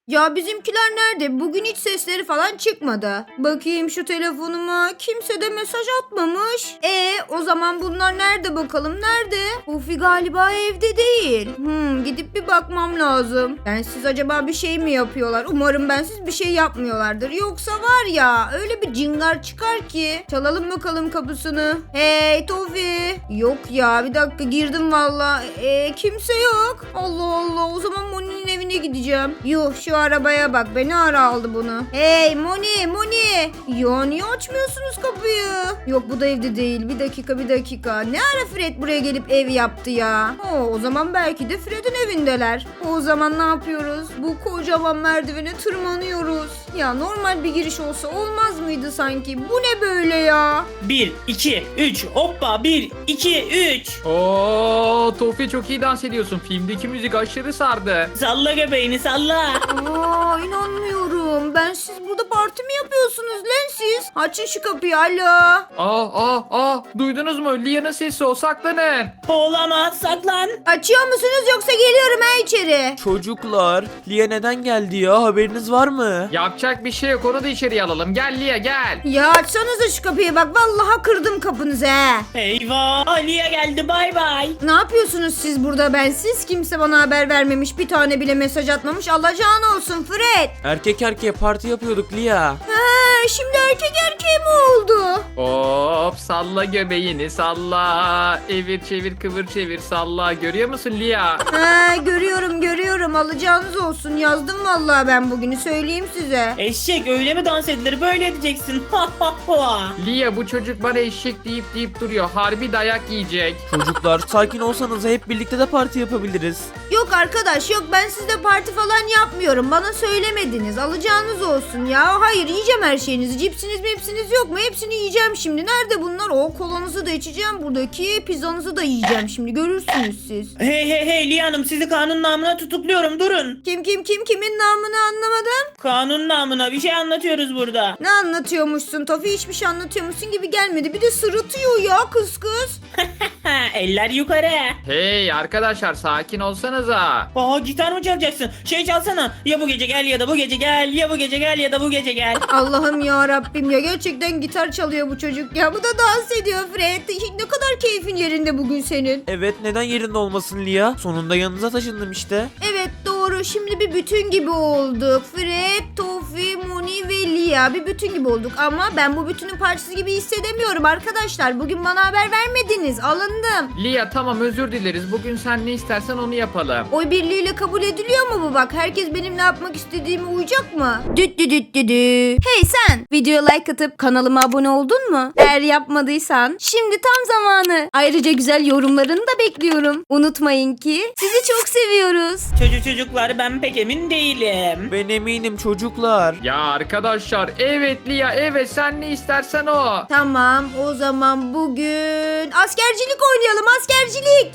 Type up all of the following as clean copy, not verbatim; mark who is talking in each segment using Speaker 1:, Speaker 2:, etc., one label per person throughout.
Speaker 1: Ya bizimkiler nerede? Bugün hiç sesleri falan çıkmadı. Bakayım şu telefonuma. Kimse de mesaj atmamış. O zaman bunlar nerede bakalım? Nerede? Ufi galiba evde değil. Gidip bir bakmam lazım. Bensiz acaba bir şey mi yapıyorlar? Umarım bensiz bir şey yapmıyorlardır. Yoksa var ya öyle bir cingar çıkar ki. Çalalım bakalım kapısını. Hey Tofi. Yok ya bir dakika girdim valla. Kimse yok. Allah Allah o zaman Moni'nin evine gideceğim. Yuh şu arabaya bak beni ara aldı bunu. Hey Moni. Ya niye açmıyorsunuz kapıyı? Yok bu da evde değil. Bir dakika. Ne ara Fred buraya gelip ev yaptı ya? O zaman belki de Fred'in evindeler. O zaman ne yapıyoruz? Bu kocaman merdivene tırmanıyoruz. Ya normal bir giriş olsa olmaz mıydı sanki? Bu ne böyle ya?
Speaker 2: 1, 2, 3 hoppa 1, 2, 3.
Speaker 3: Oo, Tofi çok iyi dans ediyorsun. Filmdeki müzik aşırı sardı.
Speaker 2: Salla göbeğini salla.
Speaker 1: İnanmıyorum. Siz burada parti mi yapıyorsunuz lan siz? Açın şu kapıyı alo.
Speaker 3: Duydunuz mu? Lia'nın sesi o, saklanın.
Speaker 2: Olamaz saklan.
Speaker 1: Açıyor musunuz yoksa geliyorum içeri.
Speaker 4: Çocuklar, Lia neden geldi ya? Haberiniz var mı?
Speaker 3: Yapacak bir şey yok, onu da içeriye alalım. Gel Lia gel.
Speaker 1: Ya açsanıza şu kapıyı bak vallahi kırdım kapınızı he.
Speaker 2: Eyvah Aliye geldi bay bay.
Speaker 1: Ne yapıyorsunuz siz burada bensiz? Kimse bana haber vermemiş. Bir tane bile mesaj atmamış. Alacağın olsun Fred.
Speaker 4: Erkek erkeğe parti yapıyorduk Lia.
Speaker 1: Şimdi erkek erkeğe mi oldu?
Speaker 3: Hop salla göbeğini salla. Evir çevir kıvır çevir salla. Görüyor musun Lia?
Speaker 1: Görüyorum. Alacağınız olsun. Yazdım vallahi ben bugünü söyleyeyim size.
Speaker 2: Eşek öyle mi dans edilir böyle edeceksin. Ha ha ha.
Speaker 3: Lia bu çocuk bana eşek deyip duruyor. Harbi dayak yiyecek.
Speaker 4: Çocuklar, sakin olsanız hep birlikte de parti yapabiliriz.
Speaker 1: Yok arkadaş yok ben sizde parti falan yapmıyorum. Bana söylemediniz. Alacağınız olsun ya. Hayır yiyeceğim her şeyinizi. Cipsiniz mipsiniz yok mu? Hepsini yiyeceğim şimdi. Nerede bunlar? Kolanızı da içeceğim. Buradaki pizzanızı da yiyeceğim şimdi. Görürsünüz siz.
Speaker 2: Hey Liye Hanım sizi kanun namına tutukluyorum durun.
Speaker 1: Kimin namını anlamadım.
Speaker 2: Kanun namına bir şey anlatıyoruz burada.
Speaker 1: Ne anlatıyormuşsun Tofi? Hiçbir şey anlatıyormuşsun gibi gelmedi. Bir de sırıtıyor ya kız.
Speaker 2: Eller yukarı.
Speaker 3: Hey arkadaşlar sakin olsanıza.
Speaker 2: Gitar mı çalacaksın? Şey çalsana. Ya bu gece gel ya da bu gece gel. Ya bu gece gel ya da bu gece gel.
Speaker 1: Allah'ım ya Rabbim ya gerçekten gitar çalıyor bu çocuk ya. Bu da dans ediyor Fred. Ne kadar keyfin yerinde bugün senin.
Speaker 4: Evet, neden yerinde olmasın Lia? Sonunda yanınıza taşındım işte.
Speaker 1: Evet doğru şimdi bir bütün gibi olduk. Fred, Tofi, Moni ve Lia bir bütün gibi olduk. Ama ben bu bütünün parçası gibi hissedemiyorum arkadaşlar. Bugün bana haber vermediniz. Alındım.
Speaker 3: Lia tamam özür dileriz. Bugün sen ne istersen onu yapalım.
Speaker 1: Oy birliğiyle kabul ediliyor mu bu bak? Herkes benim ne yapmak istediğime uyacak mı? Düt. Hey sen! Videoya like atıp kanalıma abone oldun mu? Eğer yapmadıysan şimdi tam zamanı. Ayrıca güzel yorumlarını da bekliyorum. Unutmayın ki sizi çok seviyoruz.
Speaker 2: Çocuklar ben pek emin değilim.
Speaker 4: Ben eminim çocuklar.
Speaker 3: Ya arkadaşlar evet Lia evet sen ne istersen o.
Speaker 1: Tamam o zaman bugün askercilik oynayalım askercilik.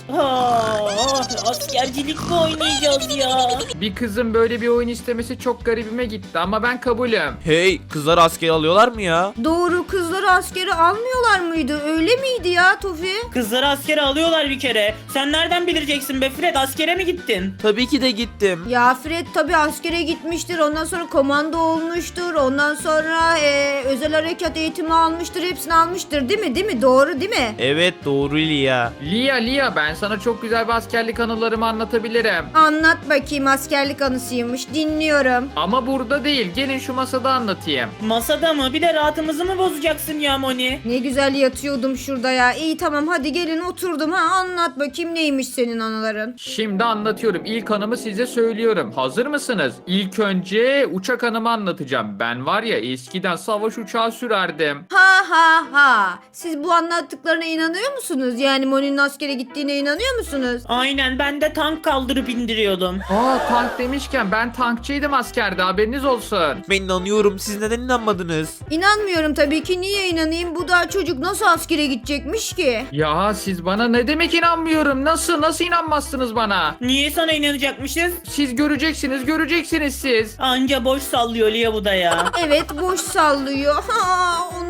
Speaker 2: Askercilik mi oynayacağız ya?
Speaker 3: Bir kızın böyle bir oyun istemesi çok garibime gitti ama ben kabulüm.
Speaker 4: Hey, kızlar asker alıyorlar mı ya?
Speaker 1: Doğru kızları askere almıyorlar mıydı? Öyle miydi ya Tofi?
Speaker 2: Kızları askere alıyorlar bir kere. Sen nereden bileceksin be Fred askere mi gittin?
Speaker 4: Tabii ki de gittim.
Speaker 1: Ya Fred tabii askere gitmiştir. Ondan sonra komando olmuştur. Ondan sonra özel harekat eğitimi almıştır. Hepsini almıştır değil mi? Değil mi? Doğru değil mi?
Speaker 4: Evet, doğru Lia.
Speaker 3: Lia ben sana çok güzel bir askerlik anılarımı anlatabilirim.
Speaker 1: Anlat bakayım askerlik anısıymış. Dinliyorum.
Speaker 3: Ama burada değil, gelin şu masada anlatayım.
Speaker 2: Masada mı? Bir de rahatımızı mı bozacaksın ya Moni?
Speaker 1: Ne güzel yatıyordum şurada ya. İyi tamam hadi gelin oturdum. Anlat bakayım neymiş senin anıların.
Speaker 3: Şimdi anlatıyorum. İlk anımı size söylüyorum. Hazır mısınız? İlk önce uçak anımı anlatacağım. Ben var ya eskiden savaş uçağı sürerdim.
Speaker 1: Ha. Siz bu anlattıklarına inanıyor musunuz? Yani Moni'nin askere gittiğine inanıyor musunuz?
Speaker 2: Aynen ben de tank kaldırıp indiriyordum.
Speaker 3: Tank demişken ben tankçıydım askerde, haberiniz olsun.
Speaker 4: Ben inanıyorum. Siz neden inanmadınız?
Speaker 1: İnanmıyorum tabii ki. Niye inanayım? Bu daha çocuk nasıl askere gidecekmiş ki?
Speaker 3: Ya siz bana ne demek inanmıyorum? Nasıl inanmazsınız bana?
Speaker 2: Niye sana inanacakmışız?
Speaker 3: Siz göreceksiniz siz.
Speaker 2: Anca boş sallıyor Lia bu da ya.
Speaker 1: Evet boş sallıyor. Onun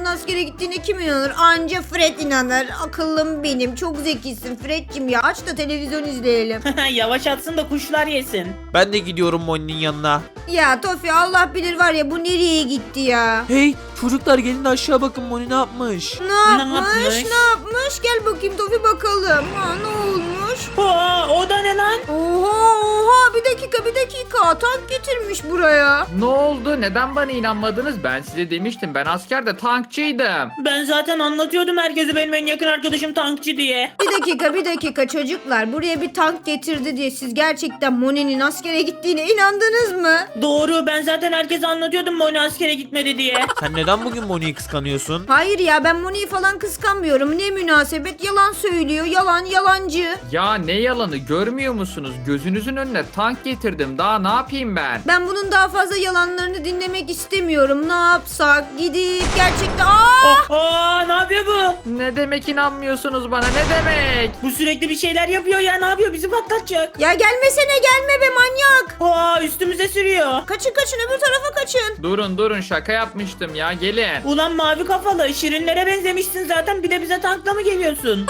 Speaker 1: bunun askere gittiğine kim inanır? Anca Fred inanır. Akıllım benim. Çok zekisin Fred'cim ya. Aç da televizyon izleyelim.
Speaker 2: Yavaş atsın da kuşlar yesin.
Speaker 4: Ben de gidiyorum Moni'nin yanına.
Speaker 1: Ya Tofi Allah bilir var ya bu nereye gitti ya?
Speaker 4: Hey çocuklar gelin de aşağı bakın Moni ne yapmış.
Speaker 1: Ne yapmış?
Speaker 2: yapmış?
Speaker 1: Ne yapmış? Gel bakayım Tofi bakalım. Ha ne olmuş?
Speaker 2: Aa, o da ne lan?
Speaker 1: Oha bir dakika tank getirmiş buraya.
Speaker 3: Ne oldu? Neden bana inanmadınız? Ben size demiştim. Ben askerde tankçıydım.
Speaker 2: Ben zaten anlatıyordum herkese benim en yakın arkadaşım tankçı diye.
Speaker 1: Bir dakika çocuklar buraya bir tank getirdi diye siz gerçekten Moni'nin askere gittiğine inandınız mı?
Speaker 2: Doğru, ben zaten herkese anlatıyordum Moni askere gitmedi diye.
Speaker 4: Sen neden bugün Moni'yi kıskanıyorsun?
Speaker 1: Hayır ya ben Moni'yi falan kıskanmıyorum. Ne münasebet yalan söylüyor. Yalancı.
Speaker 3: Ya ne yalanı görmüyor musunuz? Gözünüzün önüne tank getirdim. Daha ne yapayım ben?
Speaker 1: Ben bunun daha fazla yalanlarını dinlemek istemiyorum. Ne yapsak? Gidip gerçekten...
Speaker 2: Ne yapıyor bu?
Speaker 3: Ne demek inanmıyorsunuz bana? Ne demek?
Speaker 2: Bu sürekli bir şeyler yapıyor ya, ne yapıyor, bizi patlatacak.
Speaker 1: Ya gelmesene gelme be manyak.
Speaker 2: Üstümüze sürüyor.
Speaker 1: Kaçın öbür tarafa kaçın.
Speaker 3: Durun şaka yapmıştım ya gelin.
Speaker 2: Ulan mavi kafalı, şirinlere benzemişsin zaten, bir de bize tankla mı geliyorsun?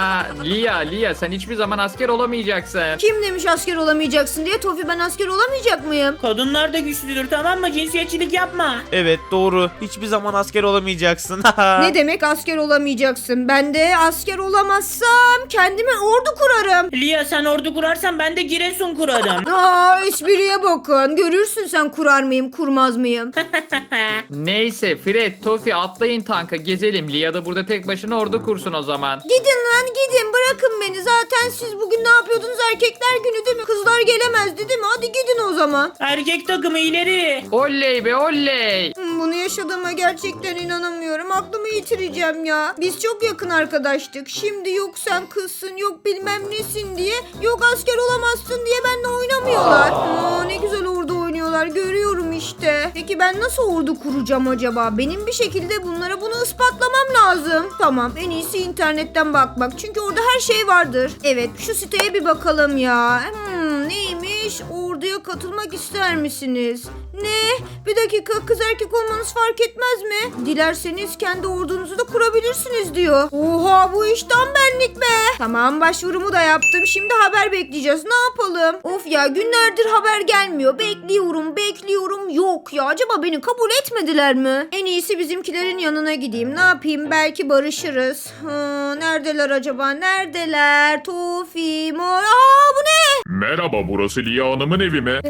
Speaker 3: Lia sen hiçbir zaman asker olamayacaksın.
Speaker 1: Kim demiş asker olamayacaksın diye? Tofi ben asker olamayacak mıyım?
Speaker 2: Kadınlar da güçlüdür, tamam mı? Cinsiyetçilik yapma.
Speaker 4: Evet doğru. Hiçbir zaman asker olamayacaksın.
Speaker 1: Ne demek asker olamayacaksın? Ben de asker olamazsam kendime ordu kurarım.
Speaker 2: Lia sen ordu kurarsan ben de Giresun kurarım.
Speaker 1: Espriye bakın. Görürsün sen kurar mıyım kurmaz mıyım?
Speaker 3: Neyse Fred, Tofi atlayın tanka gezelim. Lia da burada tek başına ordu kursun o zaman.
Speaker 1: Gidin lan gidin bırakın beni. Zaten siz bugün ne yapıyordunuz? Erkekler günü değil mi? Kızlar gelemezdi değil mi? Hadi gidin o zaman.
Speaker 2: Erkek takımı ileri.
Speaker 3: Oley be oley.
Speaker 1: Bunu yaşadığıma gerçekten inanamıyorum. Aklımı yitireceğim ya. Biz çok yakın arkadaştık. Şimdi yok sen kızsın, yok bilmem nesin diye, yok asker olamazsın diye benimle oynamıyorlar. Ne güzel ordu oynuyorlar. Görüyorum işte. Peki ben nasıl ordu kuracağım acaba? Benim bir şekilde bunlara bunu ispatlamam lazım. Tamam en iyisi internetten bakmak. Çünkü orada her şey vardır. Evet şu siteye bir bakalım ya. Neymiş? Orduya katılmak ister misiniz? Ne? Bir dakika kız erkek olmanız fark etmez mi? Dilerseniz kendi ordunuzu da kurabilirsiniz diyor. Oha bu iş tam benlik be. Tamam başvurumu da yaptım. Şimdi haber bekleyeceğiz. Ne yapalım? Of ya günlerdir haber gelmiyor. Bekliyorum. Yok ya acaba beni kabul etmediler mi? En iyisi bizimkilerin yanına gideyim. Ne yapayım? Belki barışırız. Neredeler acaba? Neredeler? Tofi, Mor. Bu ne?
Speaker 5: Merhaba, burası Lia Hanım'ın evi mi?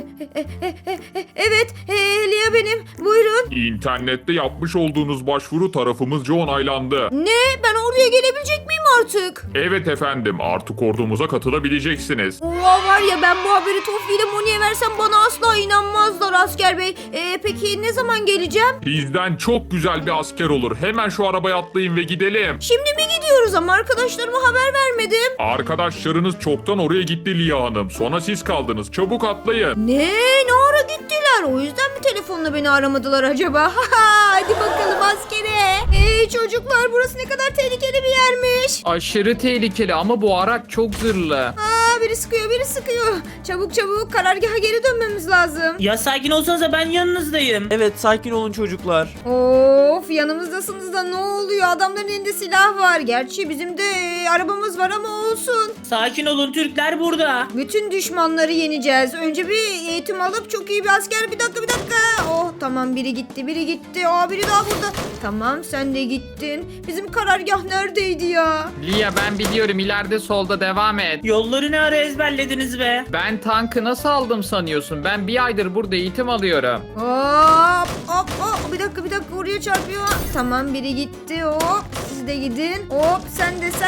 Speaker 1: Evet, Lia benim. Buyurun.
Speaker 5: İnternette yapmış olduğunuz başvuru tarafımızca onaylandı.
Speaker 1: Ne? Ben orduya gelebilecek miyim artık?
Speaker 5: Evet efendim, artık ordumuza katılabileceksiniz.
Speaker 1: Oha var ya ben bu haberi Tofi ile Moni'ye versem bana asla inanmazlar asker bey. Peki ne zaman geleceğim?
Speaker 5: Bizden çok güzel bir asker olur. Hemen şu arabaya atlayın ve gidelim.
Speaker 1: Şimdi mi gidiyoruz ama arkadaşlarıma haber vermedim.
Speaker 5: Arkadaşlarınız çoktan oraya gitti Lia Hanım. Sonra siz kaldınız. Çabuk atlayın.
Speaker 1: Ne ara gittiler? O yüzden mi telefonla beni aramadılar acaba? Hadi bakalım askere. Çocuklar burası ne kadar tehlikeli bir yermiş.
Speaker 3: Aşırı tehlikeli ama bu araç çok zırhlı.
Speaker 1: Biri sıkıyor. Çabuk karargaha geri dönmemiz lazım.
Speaker 2: Ya sakin olsanıza, ben yanınızdayım.
Speaker 4: Evet sakin olun çocuklar.
Speaker 1: Of yanımızdasınız da ne oluyor? Adamların elinde silah var. Gerçi bizim de arabamız var ama olsun.
Speaker 2: Sakin olun, Türkler burada.
Speaker 1: Bütün düşmanları yeneceğiz. Önce bir eğitim alıp çok iyi bir asker. Bir dakika. Oh tamam biri gitti. Biri daha burada. Tamam sen de gittin. Bizim karargah neredeydi ya?
Speaker 3: Lia ben biliyorum, ileride solda, devam et.
Speaker 2: Yolları ne ara ezberlediniz be?
Speaker 3: Ben tankı nasıl aldım sanıyorsun? Ben bir aydır burada eğitim alıyorum.
Speaker 1: Hop. Bir dakika oraya çarpıyor. Tamam biri gitti hop. Siz de gidin. Hop sen de.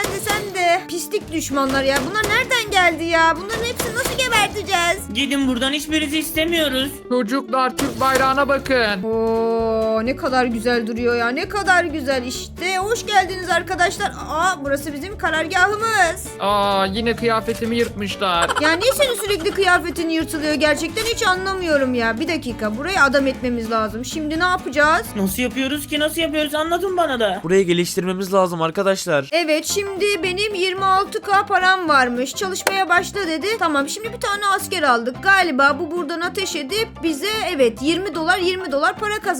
Speaker 1: Pislik düşmanlar ya. Bunlar nereden geldi ya? Bunların hepsini nasıl geberteceğiz?
Speaker 2: Gidin buradan, hiçbirinizi istemiyoruz.
Speaker 3: Çocuklar Türk bayrağına bakın.
Speaker 1: Ne kadar güzel duruyor ya. Ne kadar güzel işte. Hoş geldiniz arkadaşlar. Burası bizim karargahımız.
Speaker 3: Yine kıyafetimi yırtmışlar.
Speaker 1: Ya niye senin sürekli kıyafetin yırtılıyor gerçekten hiç anlamıyorum ya. Bir dakika burayı adam etmemiz lazım. Şimdi ne yapacağız?
Speaker 2: Nasıl yapıyoruz anlatın bana da.
Speaker 4: Burayı geliştirmemiz lazım arkadaşlar.
Speaker 1: Evet şimdi benim 26K param varmış. Çalışmaya başla dedi. Tamam şimdi bir tane asker aldık. Galiba bu buradan ateş edip bize evet $20 para kazandırıyor.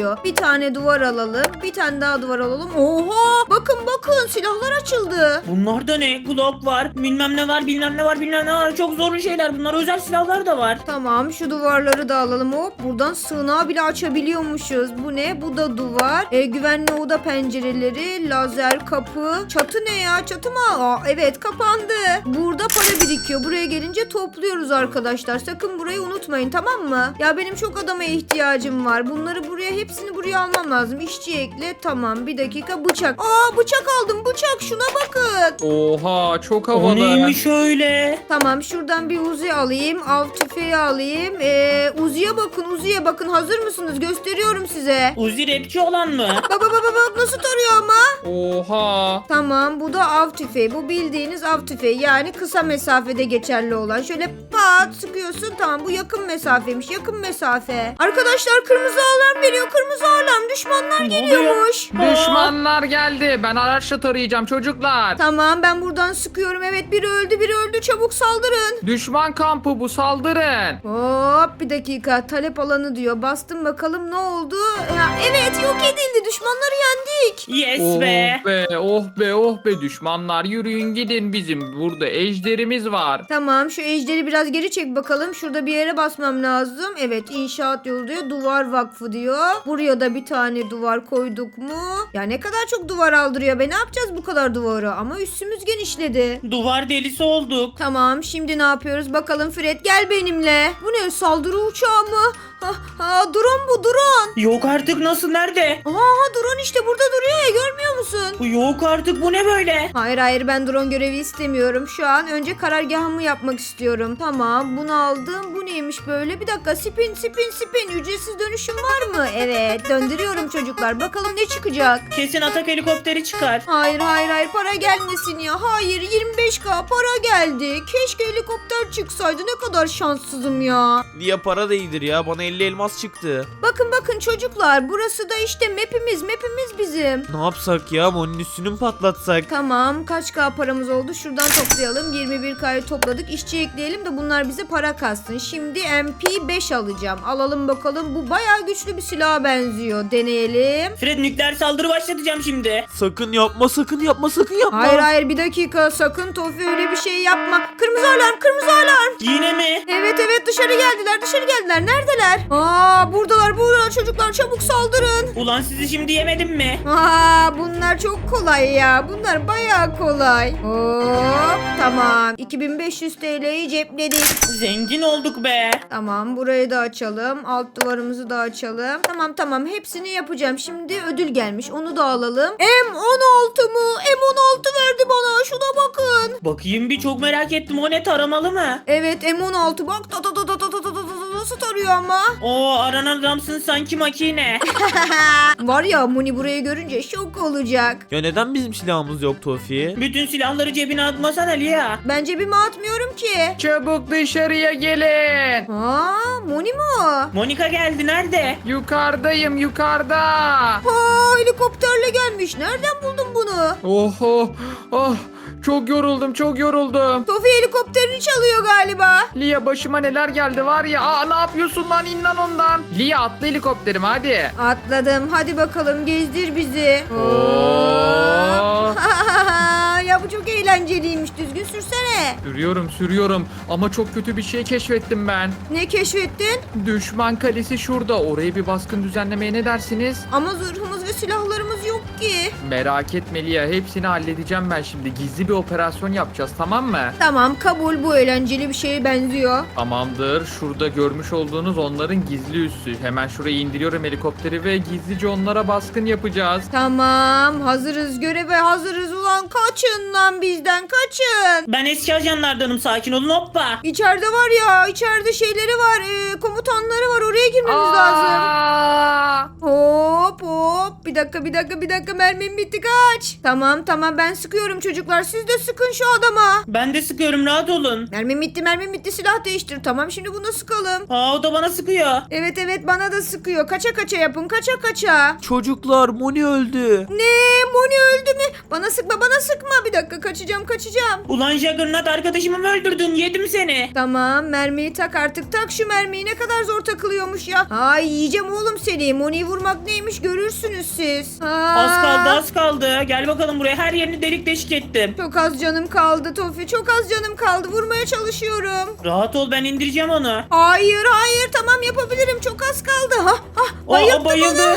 Speaker 1: gerekiyor. Bir tane duvar alalım. Bir tane daha duvar alalım. Oha! Bakın bakın silahlar açıldı.
Speaker 2: Bunlar da ne? Glock var. Bilmem ne var. Bilmem ne var. Bilmem ne var. Çok zorlu şeyler. Bunlar özel silahlar da var.
Speaker 1: Tamam şu duvarları da alalım. Hop buradan sığınağı bile açabiliyormuşuz. Bu ne? Bu da duvar. Güvenli oda pencereleri, lazer kapı. Çatı ne ya? Çatı mı? Aa, evet kapandı. Burada para birikiyor. Buraya gelince topluyoruz arkadaşlar. Sakın burayı unutmayın tamam mı? Ya benim çok adama ihtiyacım var. Bunları buraya hepsini buraya almam lazım. İşçi ekle. Tamam bir dakika bıçak. Aa bıçak aldım bıçak şuna bakın.
Speaker 3: Oha çok
Speaker 2: O
Speaker 3: havalı.
Speaker 2: neymiş öyle?
Speaker 1: Tamam şuradan bir Uzi alayım. Av tüfeği alayım. Uzi'ye bakın Uzi'ye bakın. Hazır mısınız? Gösteriyorum size.
Speaker 2: Uzi rapçi olan mı?
Speaker 1: Baba nasıl tarıyor ama?
Speaker 3: Oha.
Speaker 1: Tamam bu da av tüfeği. Bu bildiğiniz av tüfeği. Yani kısa mesafede geçerli olan. Şöyle pat sıkıyorsun. Tamam bu yakın mesafeymiş. Yakın mesafe. Arkadaşlar kırmızı alarm veriyor. Kırmızı alarm. Düşmanlar
Speaker 2: Ne
Speaker 1: geliyormuş.
Speaker 3: Düşmanlar geldi. Ben araçla tarayacağım çocuklar.
Speaker 1: Tamam ben buradan sıkıyorum. Evet biri öldü. Çabuk saldırın.
Speaker 3: Düşman kampı bu, saldırın.
Speaker 1: Hop bir dakika. Talep alanı diyor. Bastım bakalım ne oldu? Ya, evet yok edildi. Düşmanları yendik.
Speaker 2: Yes
Speaker 3: Oh
Speaker 2: be.
Speaker 3: be, oh be, oh be düşmanlar, yürüyün gidin, bizim burada ejderimiz var.
Speaker 1: Tamam şu ejderi biraz geri çek bakalım. Şurada bir yere basmam lazım. Evet inşaat yolu diyor. Duvar vakfı diyor. Buraya da bir tane duvar koyduk mu? Ya ne kadar çok duvar aldırıyor be. Ne yapacağız bu kadar duvarı? Ama üstümüz genişledi.
Speaker 2: Duvar delisi olduk.
Speaker 1: Tamam şimdi ne yapıyoruz? Bakalım Fred gel benimle. Bu ne saldırı uçağı mı? Drone bu drone.
Speaker 2: Yok artık, nasıl, nerede?
Speaker 1: Aha drone işte burada duruyor ya görmüyor musun?
Speaker 2: Bu yok artık, bu ne böyle?
Speaker 1: Hayır ben drone görevi istemiyorum. Şu an önce karargahımı yapmak istiyorum. Tamam bunu aldım. Bu neymiş böyle? Bir dakika spin. Ücretsiz dönüşüm var mı? Evet döndürüyorum çocuklar. Bakalım ne çıkacak?
Speaker 2: Kesin atak helikopteri çıkar.
Speaker 1: Hayır para gelmesin ya. Hayır 25k para geldi. Keşke helikopter çıksaydı. Ne kadar şanssızım ya.
Speaker 4: Lia para da iyidir ya. Bana 50 elmas çıktı.
Speaker 1: Bakın çocuklar. Burası da işte map'imiz bizim.
Speaker 4: Ne yapsak ya? Onun üstünü mü patlatsak?
Speaker 1: Tamam kaç k paramız oldu? Şuradan toplayalım. 21k'yı topladık. İşçi ekleyelim de bunlar bize para kassın. Şimdi MP5 alacağım. Alalım bakalım. Bu bayağı güçlü bir silaha benziyor. Deneyelim.
Speaker 2: Fred, nükleer saldırı başlatacağım şimdi.
Speaker 4: Sakın yapma.
Speaker 1: Hayır bir dakika. Sakın Tofi öyle bir şey yapma. Kırmızı alarm.
Speaker 2: Yine mi?
Speaker 1: Evet dışarı geldiler. Neredeler? Buradalar çocuklar çabuk saldırın.
Speaker 2: Ulan sizi şimdi yemedim mi?
Speaker 1: Bunlar çok kolay ya. Bunlar bayağı kolay. Hop tamam. 2500 TL'yi cepledik.
Speaker 2: Zengin olduk be.
Speaker 1: Tamam burayı da açalım. Alt duvarımızı da açalım. Tamam hepsini yapacağım. Şimdi ödül gelmiş. Onu da alalım. M16 mı? M16 verdi bana. Şuna bakın.
Speaker 2: Bakayım bir, çok merak ettim. O ne, taramalı mı?
Speaker 1: Evet M16 bak. Nasıl tarıyor ama?
Speaker 2: Oo, aranan adamsın sanki, makine.
Speaker 1: Var ya Moni burayı görünce şok olacak.
Speaker 4: Ya neden bizim silahımız yok Tofi?
Speaker 2: Bütün silahları cebine atmasana Lia.
Speaker 1: Ben cebime atmıyorum ki.
Speaker 3: Çabuk dışarıya gelin.
Speaker 1: Moni mu o?
Speaker 2: Monika geldi, nerede?
Speaker 3: Yukarıdayım, yukarıda.
Speaker 1: Helikopterle gelmiş. Nereden buldun bunu?
Speaker 3: Oh, çok yoruldum.
Speaker 1: Tofi helikopterini çalıyor galiba.
Speaker 3: Lia, başıma neler geldi var ya. Ne yapıyorsun lan, in lan ondan. Lia, atla helikopterime hadi.
Speaker 1: Atladım. Hadi bakalım gezdir bizi.
Speaker 3: Oo.
Speaker 1: Ya bu çok eğlenceliymiş. Düzgün sürsene.
Speaker 3: Sürüyorum ama çok kötü bir şey keşfettim ben.
Speaker 1: Ne keşfettin?
Speaker 3: Düşman kalesi şurada. Oraya bir baskın düzenlemeye ne dersiniz?
Speaker 1: Ama zırhımız ve silahlarımız yok ki.
Speaker 3: Merak etme Lia, hepsini halledeceğim ben şimdi. Gizli bir operasyon yapacağız, tamam mı?
Speaker 1: Tamam kabul, bu eğlenceli bir şeye benziyor.
Speaker 3: Tamamdır. Şurada görmüş olduğunuz onların gizli üssü. Hemen şuraya indiriyorum helikopteri ve gizlice onlara baskın yapacağız.
Speaker 1: Tamam hazırız, göreve hazırız ulan, kaçın lan bizden, kaçın.
Speaker 2: Ben eski ajanlardanım, sakin olun, hoppa.
Speaker 1: İçeride var ya, içeride şeyleri var, komutanları var, oraya girmemiz lazım.
Speaker 3: Aa!
Speaker 1: Hop bir Bir dakika mermim bitti, kaç. Tamam ben sıkıyorum çocuklar, siz de sıkın şu adama.
Speaker 2: Ben de sıkıyorum, rahat olun.
Speaker 1: Mermim bitti, silah değiştir. Tamam, şimdi bunu sıkalım.
Speaker 2: Aa, o da bana sıkıyor.
Speaker 1: Evet bana da sıkıyor. Kaça yapın, kaça.
Speaker 4: Çocuklar Moni öldü.
Speaker 1: Ne? Moni öldü mü? Bana sıkma. Bir dakika, kaçacağım.
Speaker 2: Ulan Juggernaut, arkadaşımı mı öldürdün? Yedim seni.
Speaker 1: Tamam, mermiyi tak artık. Tak şu mermiyi, ne kadar zor takılıyormuş ya. Ay, yiyeceğim oğlum seni. Moni'yi vurmak neymiş görürsünüz siz.
Speaker 2: Az kaldı. Gel bakalım buraya, her yerini delik deşik ettim.
Speaker 1: Çok az canım kaldı Tofi. Çok az canım kaldı. Vurmaya çalışıyorum.
Speaker 2: Rahat ol, ben indireceğim onu.
Speaker 1: Hayır tamam, yapabilirim. Çok az kaldı.
Speaker 2: Aa, bayıldı.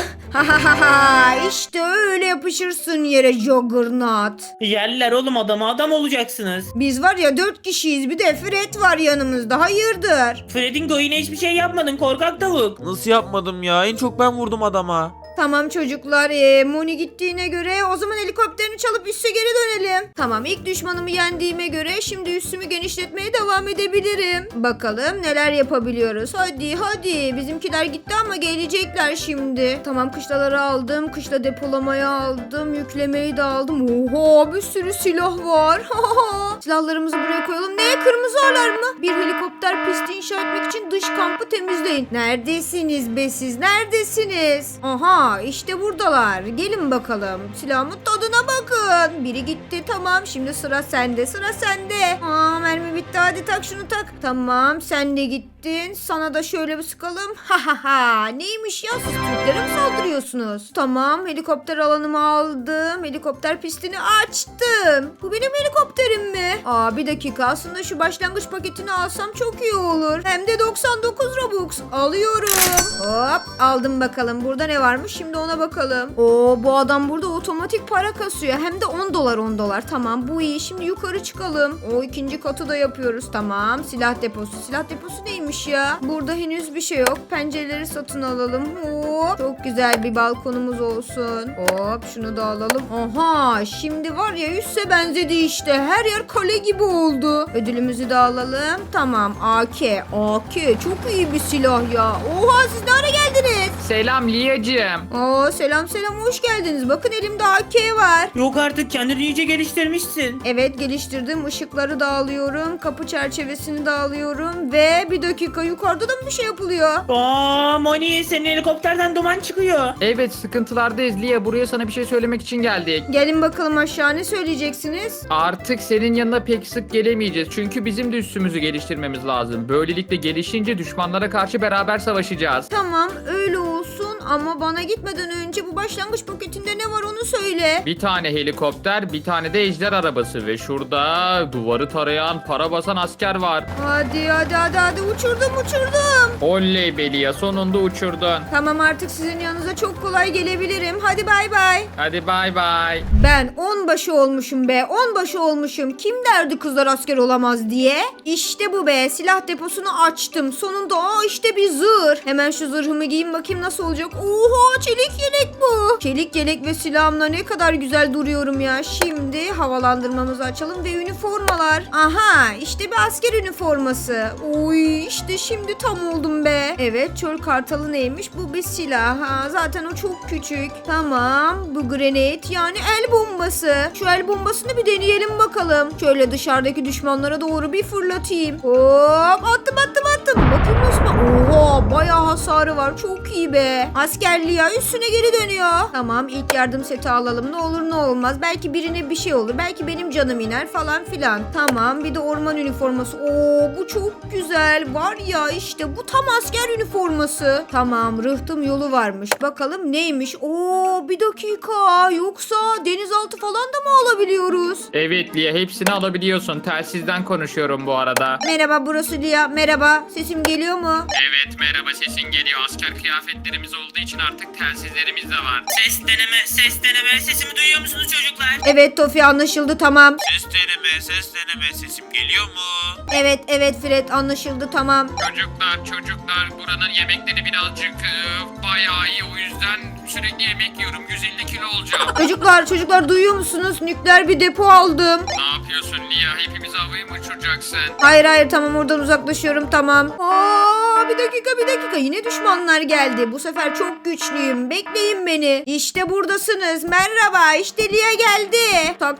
Speaker 1: İşte öyle yapışırsın yere Juggernaut.
Speaker 2: Yerler oğlum adamı, adam olacaksınız.
Speaker 1: Biz var ya 4 kişiyiz. Bir de Fred var yanımızda. Hayırdır?
Speaker 2: Fredingo, yine hiçbir şey yapmadın korkak tavuk.
Speaker 4: Nasıl yapmadım ya? En çok ben vurdum adama.
Speaker 1: Tamam çocuklar, Moni gittiğine göre o zaman helikopterini çalıp üsse geri dönelim. Tamam, ilk düşmanımı yendiğime göre şimdi üssümü genişletmeye devam edebilirim. Bakalım neler yapabiliyoruz. Hadi bizimkiler gitti ama gelecekler şimdi. Tamam, kışlaları aldım, kışla depolamaya aldım, yüklemeyi de aldım. Oha, bir sürü silah var. Silahlarımızı buraya koyalım. Ne, kırmızı alarm mı? Bir helikopter pisti inşa etmek için dış kampı temizleyin. Neredesiniz be siz, neredesiniz? Aha, işte buradalar. Gelin bakalım. Silahımın tadına bakın. Biri gitti, tamam. Şimdi sıra sende. Mermi bitti. Hadi tak şunu tak. Tamam, sen de gittin. Sana da şöyle bir sıkalım. Neymiş ya, siz Türklere mi saldırıyorsunuz? Tamam, helikopter alanımı aldım. Helikopter pistini açtım. Bu benim helikopterim mi? Bir dakika, aslında şu başlangıç paketini alsam çok iyi olur. Hem de 99 Robux. Alıyorum. Hop, aldım bakalım. Burada ne varmış? Şimdi ona bakalım. Bu adam burada otomatik para kasıyor. Hem de 10 dolar. Tamam, bu iyi. Şimdi yukarı çıkalım. İkinci katı da yapıyoruz. Tamam, silah deposu. Silah deposu neymiş ya? Burada henüz bir şey yok. Pencereleri satın alalım. Hop. Çok güzel bir balkonumuz olsun. Hop, şunu da alalım. Aha, şimdi var ya, üsse benzedi işte. Her yer kale gibi oldu. Ödülümüzü de alalım. Tamam, AK. Çok iyi bir silah ya. Oha, siz ne ara geldiniz?
Speaker 3: Selam Liyacığım.
Speaker 1: Selam hoş geldiniz. Bakın, elimde AK var.
Speaker 2: Yok artık, kendini iyice geliştirmişsin.
Speaker 1: Evet, geliştirdim. Işıkları da alıyorum. Kapı çerçevesini de alıyorum. Ve bir dakika, yukarıda da mı bir şey yapılıyor?
Speaker 2: Moni, senin helikopterden duman çıkıyor.
Speaker 3: Evet, sıkıntılardayız Liya. Buraya sana bir şey söylemek için geldik.
Speaker 1: Gelin bakalım aşağı, ne söyleyeceksiniz?
Speaker 3: Artık senin yanına pek sık gelemeyeceğiz. Çünkü bizim de üssümüzü geliştirmemiz lazım. Böylelikle gelişince düşmanlara karşı beraber savaşacağız.
Speaker 1: Tamam, öyle olsun ama bana gitmeden önce bu başlangıç paketinde ne var onu söyle.
Speaker 3: Bir tane helikopter, bir tane de ejder arabası ve şurada duvarı tarayan, para basan asker var.
Speaker 1: Hadi uçurdum.
Speaker 3: Oley be Liya, sonunda uçurdun.
Speaker 1: Tamam, artık sizin yanınıza çok kolay gelebilirim. Hadi bay bay.
Speaker 3: Hadi bay bay.
Speaker 1: Ben 10 başı olmuşum be. 10 başı olmuşum. Kim derdi kızlar asker olamaz diye? İşte bu be. Silah deposunu açtım. Sonunda işte bir zırh. Hemen şu zırhımı giyeyim bakayım nasıl olacak. Oha, çelik yelek bu. Çelik yelek ve silahımla ne kadar güzel duruyorum ya. Şimdi havalandırmamızı açalım ve üniformalar. Aha, işte bir asker üniforması. Oy, işte şimdi tam oldum be. Evet, çöl kartalı neymiş? Bu bir silah. Zaten o çok küçük. Tamam, bu grenade yani el bombası. Şu el bombasını bir deneyelim bakalım. Şöyle dışarıdaki düşmanlara doğru bir fırlatayım. Hop, attım. Bakayım Osman. Oha, bayağı hasarı var. Çok iyi be. Askerliği ya, üstüne geri dönüyor. Tamam, ilk yardım seti alalım. Ne olur ne olmaz. Belki birine bir şey olur. Belki benim canım iner falan filan. Tamam, bir de orman üniforması. Bu çok güzel. Var ya, işte bu tam asker üniforması. Tamam, rıhtım yolu varmış. Bakalım neymiş? Bir dakika. Yoksa denizaltı falan da mı alabiliyoruz?
Speaker 3: Evet Liya, hepsini alabiliyorsun. Telsizden konuşuyorum bu arada.
Speaker 1: Merhaba, burası Lia. Merhaba. Sesim geliyor mu?
Speaker 3: Evet, merhaba, sesin geliyor. Asker kıyafetlerimiz olduğu için artık telsizlerimiz de var.
Speaker 2: Ses deneme. Sesimi duyuyor musunuz çocuklar?
Speaker 1: Evet Tofi, anlaşıldı, tamam.
Speaker 4: Ses deneme. Sesim geliyor mu?
Speaker 1: Evet Fred, anlaşıldı, tamam.
Speaker 3: Çocuklar, buranın yemekleri birazcık bayağı iyi. O yüzden sürekli yemek yiyorum. 150 kilo olacağım.
Speaker 1: Çocuklar duyuyor musunuz? Nükleer bir depo aldım.
Speaker 3: Ne yapıyorsun Liya? Hepimizi havaya mı uçuracaksın?
Speaker 1: Hayır, tamam, oradan uzaklaşıyorum, tamam. Aa, bir dakika. Yine düşmanlar geldi. Bu sefer çok güçlüyüm. Bekleyin beni. İşte buradasınız. Merhaba. İşte Lia geldi. Tak.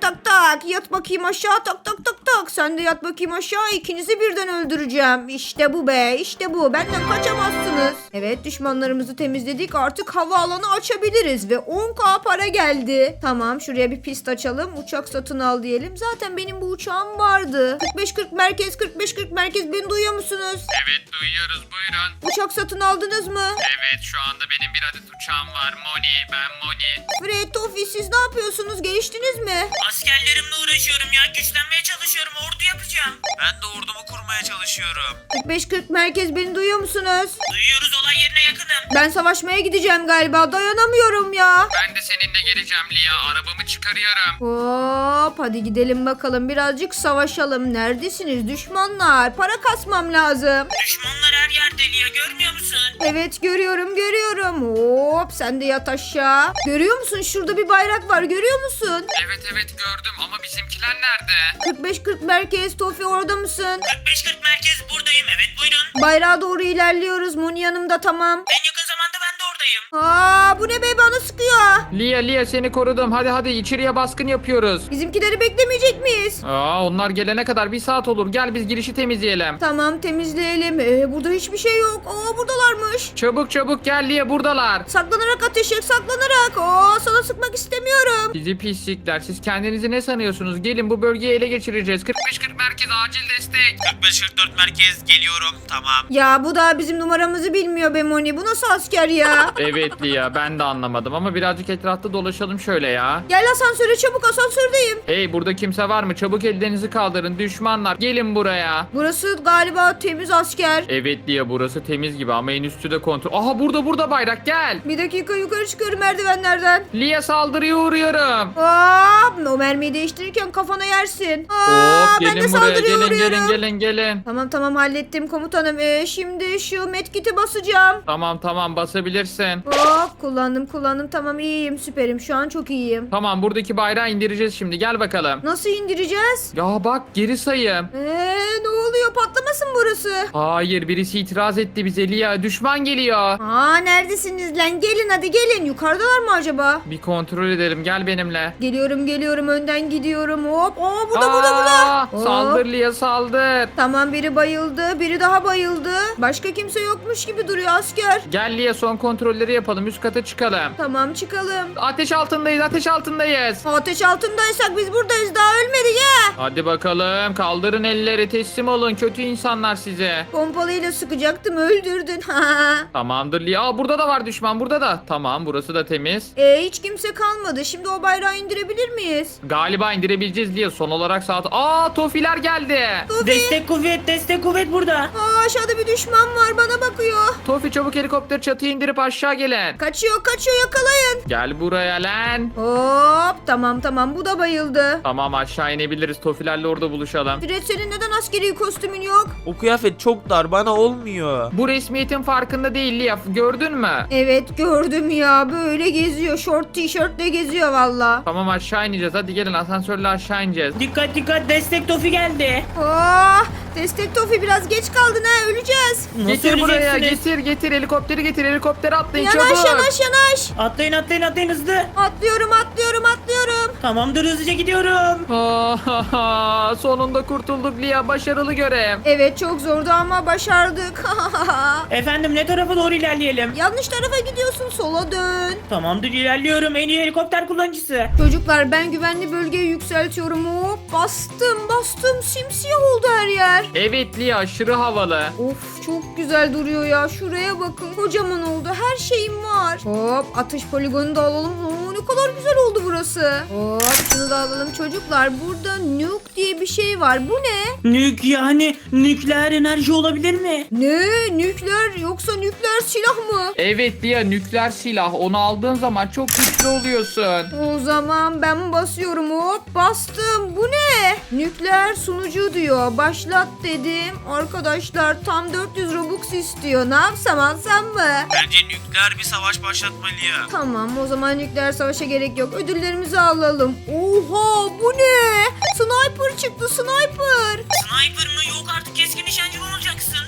Speaker 1: Yat bakayım aşağı. Tak. Sen de yat bakayım aşağı. İkinizi birden öldüreceğim. İşte bu be. İşte bu. Benden kaçamazsınız. Evet, düşmanlarımızı temizledik. Artık havaalanı açabiliriz ve 10.000 para geldi. Tamam, şuraya bir pist açalım. Uçak satın al diyelim. Zaten benim bu uçağım vardı. 45-40 merkez. Beni duyuyor musunuz?
Speaker 3: Evet duyuyoruz buyurun.
Speaker 1: Uçak satın aldınız mı?
Speaker 3: Evet şu anda benim bir adet uçağım var. Ben Moni.
Speaker 1: Fred, Tofi, siz ne yapıyorsunuz? Geliştiniz mi?
Speaker 2: Askerlerimle uğraşıyorum ya. Güçlenmeye çalışıyorum. Ordu yapacağım.
Speaker 6: Ben de ordumu kurmaya çalışıyorum.
Speaker 1: 45-40 merkez, beni duyuyor musunuz?
Speaker 2: Duyuyoruz, olay yerine yakınım.
Speaker 1: Ben savaşmaya gideceğim galiba. Dayanamıyorum ya.
Speaker 3: Ben de seninle geleceğim Lia. Arabamı çıkarıyorum.
Speaker 1: Hop, hadi gidelim bakalım. Birazcık savaşalım. Neredesiniz düşmanlar? Para kasmam lazım.
Speaker 2: Düşmanlar her yerde Lia, görmüyor musun?
Speaker 1: Evet, görüyorum. Hop, sen de yat aşağı. Görüyor musun? Şurada bir bayrak var. Görüyor musun?
Speaker 3: Evet gördüm ama bizimkiler nerede?
Speaker 1: 45-40 merkez. Tofi, orada mısın?
Speaker 2: 45-40 merkez buradayım, evet buyurun.
Speaker 1: Bayrağa doğru ilerliyoruz. Moni yanımda, tamam.
Speaker 2: En yakın zamanda ben de oradayım.
Speaker 1: Aa, bu ne be, bana sıkıyor.
Speaker 3: Lia seni korudum. Hadi içeriye baskın yapıyoruz.
Speaker 1: Bizimkileri beklemeyecek miyiz?
Speaker 3: Onlar gelene kadar 1 saat olur. Gel biz girişi temizleyelim.
Speaker 1: Tamam, temizleyelim. Burada hiçbir şey yok. Aa, buradalarmış.
Speaker 3: Çabuk gel Lia buradalar.
Speaker 1: Saklanarak ateş et, saklanarak. Aa, sana sıkmak istemiyorum.
Speaker 3: Sizi pislikler. Siz kendinizi ne sanıyorsunuz? Gelin bu bölgeyi ele geçireceğiz. 45-40 merkez acil destek.
Speaker 6: 45-44 merkez geliyorum. Tamam.
Speaker 1: Ya bu da bizim numaramızı bilmiyor be Moni. Bu nasıl asker ya?
Speaker 3: Evet Lia ben de anlamadım ama birazcık etrafta dolaşalım şöyle ya.
Speaker 1: Gel asansöre çabuk, asansördeyim.
Speaker 3: Hey burada kimse var mı? Çabuk ellerinizi kaldırın. Düşmanlar gelin buraya.
Speaker 1: Burası galiba temiz asker.
Speaker 3: Evet Lia burası temiz gibi ama en üstü de kontrol. Aha burada bayrak gel.
Speaker 1: Bir dakika, yukarı çıkıyorum merdivenlerden.
Speaker 3: Lia saldırıya uğruyorum.
Speaker 1: Aa, o mermiyi değiştirirken kafana yersin. Aa,
Speaker 3: Hop
Speaker 1: ben de
Speaker 3: gelin buraya
Speaker 1: saldırıya uğruyorum.
Speaker 3: gelin.
Speaker 1: Tamam, hallettim komutanım. Şimdi şu medkit'i basacağım.
Speaker 3: Tamam basabilirsin.
Speaker 1: Hop, kullandım. Tamam, iyiyim, süperim. Şu an çok iyiyim.
Speaker 3: Tamam buradaki bayrağı indireceğiz şimdi gel bakalım.
Speaker 1: Nasıl indireceğiz?
Speaker 3: Ya bak geri sayım.
Speaker 1: Ne oluyor? Patlamasın burası.
Speaker 3: Hayır birisi itiraz etti bize Lia. Düşman geliyor.
Speaker 1: Aa, neredesiniz lan? Gelin, hadi gelin. Yukarıdalar mı acaba?
Speaker 3: Bir kontrol edelim gel benimle.
Speaker 1: Geliyorum, önden gidiyorum. Hop. Aa, burada. Hop.
Speaker 3: Saldır Lia saldır.
Speaker 1: Tamam, biri bayıldı. Biri daha bayıldı. Başka kimse yokmuş gibi duruyor asker.
Speaker 3: Gel Lia son kontrolleri yapalım üst kata çıkalım.
Speaker 1: Tamam, çıkalım.
Speaker 3: Ateş altındayız.
Speaker 1: Ateş altındaysak biz buradayız. Daha ölmedik ya.
Speaker 3: Hadi bakalım kaldırın elleri teslim olun kötü insanlar size.
Speaker 1: Pompalıyla sıkacaktım, öldürdün.
Speaker 3: Tamamdır Lia. Aa, burada da var düşman burada da. Tamam burası da temiz.
Speaker 1: Hiç kimse kalmadı. Şimdi o bayrağı indirebilir miyiz?
Speaker 3: Galiba indirebileceğiz Lia. Son olarak saat. Aa Tofiler geldi.
Speaker 1: Tofi.
Speaker 2: Destek kuvvet burada.
Speaker 1: Aa, aşağıda bir düşman var, bana bakıyor.
Speaker 3: Tofi çabuk helikopter çatıyı indirip aşağı gelin.
Speaker 1: Kaçıyor, yakalayın.
Speaker 3: Gel buraya lan.
Speaker 1: Hop, tamam, bu da bayıldı.
Speaker 3: Tamam aşağı inebiliriz. Tofilerle orada buluşalım.
Speaker 1: Fred, senin neden askeri kostümün yok?
Speaker 4: O kıyafet çok dar, bana olmuyor.
Speaker 3: Bu resmiyetin farkında değil Lia. Gördün mü?
Speaker 1: Evet, gördüm ya, böyle geziyor, şort tişörtle geziyor valla.
Speaker 3: Tamam aşağı ineceğiz. Hadi gelin asansörle aşağı ineceğiz.
Speaker 2: Dikkat, destek Tofi geldi.
Speaker 1: Destek Tofi, biraz geç kaldın ha, öleceğiz.
Speaker 2: Nasıl
Speaker 3: Getir buraya
Speaker 2: öleceksiniz?
Speaker 3: getir helikopteri getir helikoptere atlayın
Speaker 1: Yanaş,
Speaker 3: çabuk.
Speaker 1: yanaş.
Speaker 2: Atlayın hızlı.
Speaker 1: Atlıyorum.
Speaker 2: Tamamdır, hızlıca gidiyorum.
Speaker 3: Sonunda kurtulduk Lia başarılı görev.
Speaker 1: Evet, çok zordu ama başardık.
Speaker 2: Efendim ne tarafa doğru ilerleyelim?
Speaker 1: Yanlış tarafa gidiyorsun, sola dön.
Speaker 2: Tamamdır, ilerliyorum. En iyi helikopter kullanıcısı.
Speaker 1: Çocuklar, ben güvenli bölgeyi yükseltiyorum. Hop, bastım, simsiyah oldu her yer.
Speaker 3: Evet Lia aşırı havalı.
Speaker 1: Of, çok güzel duruyor ya, şuraya bakın, kocaman oldu, her şeyim var. Hop, atış poligonu da alalım. Ne kadar güzel oldu burası. Hop, şunu da alalım çocuklar. Burada nuke diye bir şey var, bu ne?
Speaker 2: Nük yani nükleer enerji olabilir mi?
Speaker 1: Ne? Nükleer, yoksa nükleer silah mı?
Speaker 3: Evet Lia nükleer silah onu aldığın zaman çok güçlü oluyorsun.
Speaker 1: O zaman ben basıyorum. Hop, bastım. Bu ne? Nükleer sunucu diyor. Başlat dedim. Arkadaşlar tam 400 Robux istiyor. Ne yapsam, alsam mı?
Speaker 6: Bence nükleer bir savaş başlatmalı ya.
Speaker 1: Tamam, o zaman nükleer savaşa gerek yok. Ödüllerimizi alalım. Oha, bu ne? Sniper çıktı, sniper.
Speaker 2: Sniper mı? Yok artık, keskin nişancı mı olacaksın?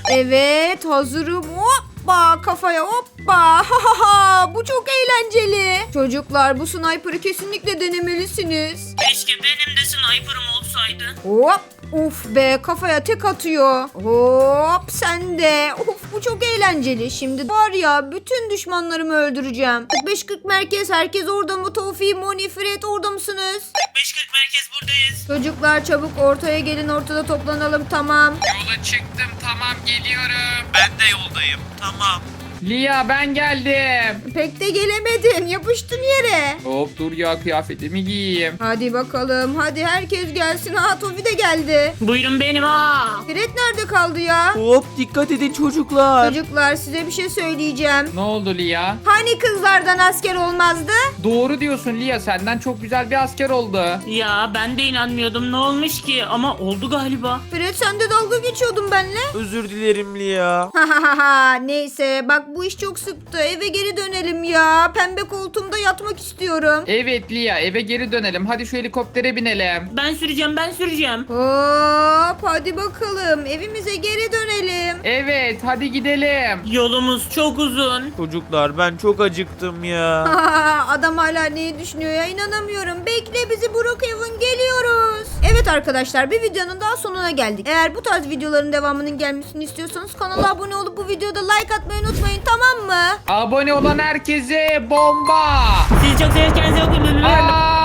Speaker 1: Evet hazırım. Hoppa kafaya hoppa. Bu çok eğlenceli. Çocuklar bu sniper'ı kesinlikle denemelisiniz.
Speaker 2: Keşke benim de sniper'ım olsaydı.
Speaker 1: Hop. Uf be kafaya tek atıyor. Hop sen de. Of bu çok eğlenceli. Şimdi var ya bütün düşmanlarımı öldüreceğim. 45-40 merkez herkes orada mı? Tofi, Moni, Fred orada mısınız?
Speaker 2: 45-40 merkez buradayız.
Speaker 1: Çocuklar çabuk ortaya gelin ortada toplanalım tamam.
Speaker 3: Yola çıktım, tamam geliyorum.
Speaker 6: Ben de yoldayım. Tamam.
Speaker 3: Lia ben geldim.
Speaker 1: Pek de gelemedin yapıştın yere.
Speaker 3: Hop dur ya, kıyafetimi giyeyim.
Speaker 1: Hadi bakalım hadi herkes gelsin. Ha Tofi de geldi.
Speaker 2: Buyurun benim ha.
Speaker 1: Fred nerede kaldı ya?
Speaker 4: Hop dikkat edin çocuklar.
Speaker 1: Çocuklar size bir şey söyleyeceğim.
Speaker 3: Ne oldu Lia?
Speaker 1: Hani kızlardan asker olmazdı?
Speaker 3: Doğru diyorsun Lia, senden çok güzel bir asker oldu.
Speaker 2: Ya ben de inanmıyordum ne olmuş ki ama oldu galiba.
Speaker 1: Fred sen de dalga geçiyordun benimle.
Speaker 4: Özür dilerim Lia.
Speaker 1: Neyse bak bu iş çok sıktı. Eve geri dönelim ya. Pembe koltuğumda yatmak istiyorum.
Speaker 3: Evet Lia, eve geri dönelim. Hadi şu helikoptere binelim.
Speaker 2: Ben süreceğim.
Speaker 1: Hop hadi bakalım evimize geri dönelim.
Speaker 3: Evet hadi gidelim.
Speaker 2: Yolumuz çok uzun.
Speaker 4: Çocuklar ben çok acıktım ya.
Speaker 1: Adam hala neyi düşünüyor ya inanamıyorum. Bekle bizi Brookhaven geliyoruz. Evet arkadaşlar bir videonun daha sonuna geldik. Eğer bu tarz videoların devamının gelmesini istiyorsanız kanala abone olup bu videoda like atmayı unutmayın tamam mı?
Speaker 3: Abone olan herkese bomba.
Speaker 2: Sizi çok severiz kendinize bakın.
Speaker 3: Aa!